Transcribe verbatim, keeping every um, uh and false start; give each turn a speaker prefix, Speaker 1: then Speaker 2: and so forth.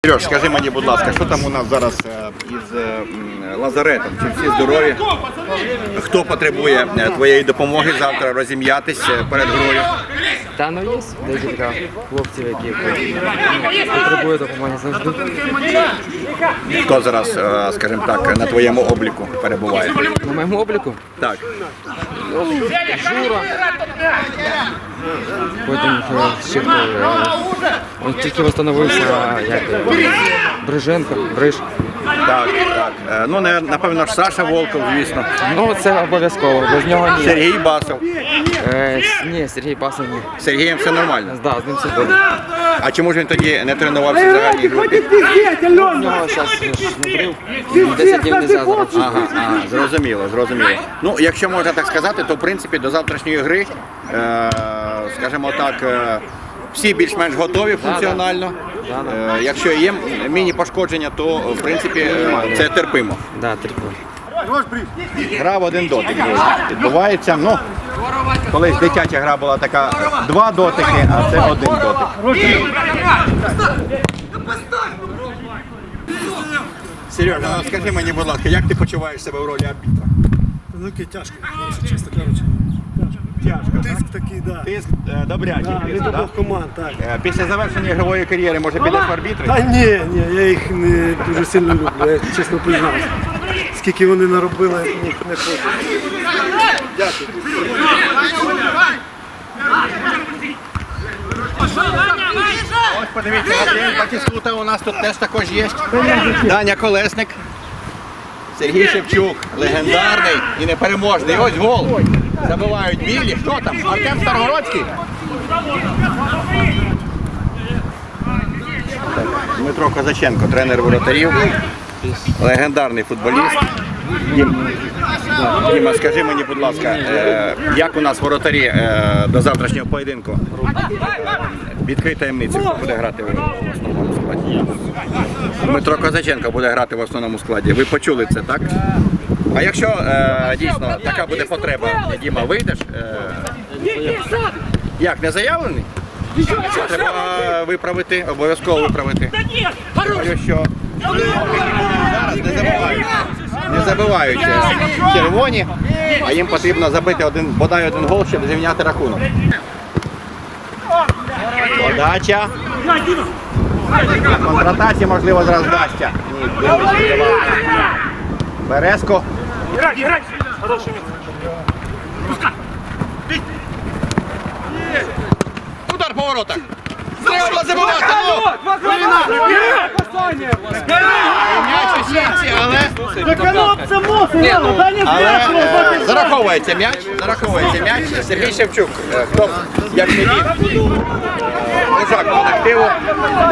Speaker 1: Сереж, скажи мені, будь ласка, що там у нас зараз із лазаретом? Чи всі здорові? Хто потребує твоєї допомоги завтра розім'ятись перед грою?
Speaker 2: Та ну є декілька хлопців, які потребують допомоги завжди.
Speaker 1: Хто зараз, скажімо так, на твоєму обліку перебуває?
Speaker 2: На моєму обліку?
Speaker 1: Так.
Speaker 2: Жура. Потім ще хто. Він тільки встановився, як Бриженко, Бриж.
Speaker 1: Так, так. Ну, напевно ж Саша Волков, звісно.
Speaker 2: Ну, це обов'язково, без нього ні.
Speaker 1: Сергій Басов.
Speaker 2: Е, ні, Сергій Басов ні.
Speaker 1: З Сергієм все нормально?
Speaker 2: Да, з ним все добре.
Speaker 1: А чому ж він тоді не тренувався в загальній групі?
Speaker 2: У нього зараз внутрів, десять днів не зараз.
Speaker 1: Ага, ага, зрозуміло, зрозуміло. Ну, якщо можна так сказати, то в принципі до завтрашньої гри, е, скажімо так, е, всі більш-менш готові функціонально. Е, якщо є міні-пошкодження, то в принципі е, це терпимо.
Speaker 2: Да, терпимо.
Speaker 1: Гра в один дотик відбувається. Ну, колись дитяча гра була така два дотики, а це один дотик. Сережа, ну, скажи мені, будь ласка, як ти почуваєш себе в ролі арбітра?
Speaker 3: Великий тяжко, якщо чесно кажучи.
Speaker 1: Тяжко,
Speaker 3: Тиск такий, так.
Speaker 1: Тиск е, добрячий.
Speaker 3: Да,
Speaker 1: тиск,
Speaker 3: від
Speaker 1: да?
Speaker 3: обох команд, так.
Speaker 1: Е, Після завершення ігрової кар'єри, може, підеш в арбітри?
Speaker 3: Та ні, ні, я їх не дуже сильно люблю, я чесно признаюся. Скільки вони наробили, я їх не хочу. Дякую.
Speaker 1: Ось подивіться, Андрій Батіскута у нас тут теж також є. Даня Колесник. Сергій Шевчук, легендарний і непереможний. Ось гол. Забивають білі. Хто там? Артем Старгородський? Дмитро Козаченко, тренер воротарів. Легендарний футболіст. Дім, Діма, скажи мені, будь ласка, е, як у нас воротарі е, до завтрашнього поєдинку? Відкрий таємницю, хто буде грати в основному складі. Дмитро Козаченко буде грати в основному складі. Ви почули це, так? А якщо е, дійсно така буде потреба, Діма, вийдеш? Е, як, не заявлений? Треба виправити, обов'язково виправити. Говорю, що зараз не забувають. Не забивають червоні, а їм потрібно забити один, бодай один гол, щоб зрівняти рахунок. Подача. На контратаці, можливо, зараз вдасться. Ні, Березко. Удар по воротах. Треба забивати. М'яч у сітці, але... Але е, зараховується м'яч, зараховується м'яч. Сергій Шевчук, е, хто, як не він, лежак колективу.